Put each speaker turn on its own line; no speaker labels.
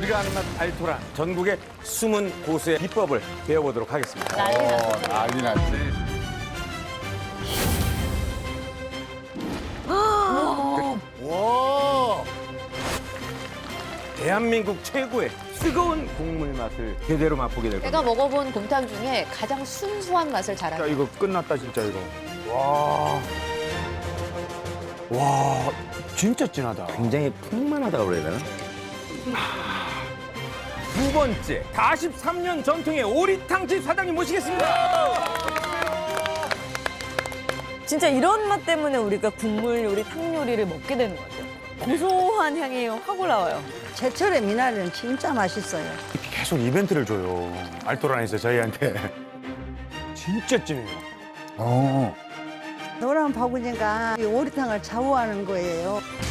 들어가는 맛 알토란. 전국의 숨은 고수의 비법을 배워보도록 하겠습니다.
난리 났지. 와.
대한민국 최고의 뜨거운 국물 맛을 제대로 맛보게 될
제가
겁니다.
먹어본 곰탕 중에 가장 순수한 맛을
진짜
자랑해요.
이거 끝났다 진짜 이거. 와. 와, 진짜 진하다.
굉장히 풍만하다고 그래야 되나? 두 번째, 43년 전통의 오리탕집 사장님 모시겠습니다.
진짜 이런 맛 때문에 우리가 국물 요리, 탕 요리를 먹게 되는 것 같아요. 고소한 향이 확 올라와요.
제철의 미나리는 진짜 맛있어요.
계속 이벤트를 줘요. 알토란에서 저희한테. 진짜 찐해요.
어.
노란 바구니가 이 오리탕을 좌우하는 거예요.